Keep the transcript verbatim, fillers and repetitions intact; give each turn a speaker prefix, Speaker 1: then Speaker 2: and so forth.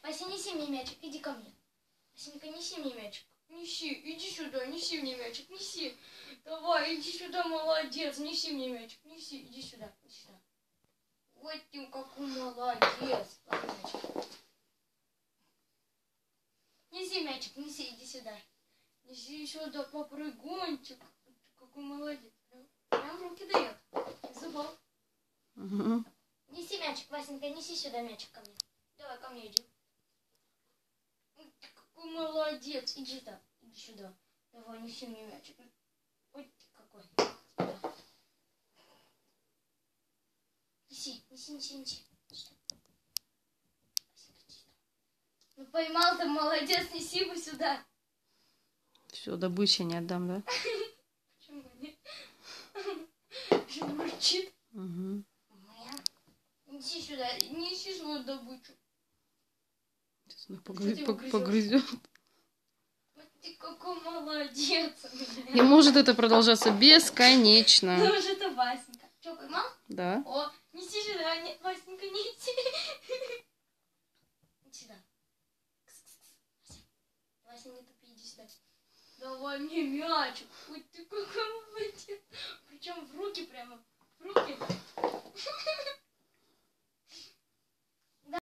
Speaker 1: Вася, неси мне мячик, иди ко мне. Васенька, неси мне мячик. Неси, иди сюда, неси мне мячик, неси. Давай, иди сюда, молодец, неси мне мячик, неси, иди сюда, иди сюда. Вот ты какой молодец. Ладно, мячик. Неси мячик, неси, иди сюда. Неси сюда, попрыгунчик. Какой молодец. Прям в руки дает. Зубов.
Speaker 2: Угу.
Speaker 1: Неси мячик, Васенька, неси сюда мячик ко мне. Давай, ко мне иди. Ты какой молодец. Иди сюда, иди сюда. Давай, неси мне мячик. Ой, ты какой. Сюда. Неси, неси, неси, неси. Ну поймал ты, молодец, неси его сюда.
Speaker 2: Все, добычи не отдам, да?
Speaker 1: Почему нет? Что мурчит?
Speaker 2: Угу.
Speaker 1: Неси сюда, неси свою добычу.
Speaker 2: Сейчас она погрыз... погрызет.
Speaker 1: Вот ты какой молодец.
Speaker 2: Не может это продолжаться бесконечно.
Speaker 1: Ну уже это Васенька. Что, поймал?
Speaker 2: Да.
Speaker 1: О, неси сюда, не, Васенька, неси. Иди сюда. Вася, не тупи, иди сюда. Давай мне мячик. Ой, ты какой молодец. Причем в руки прямо. В руки.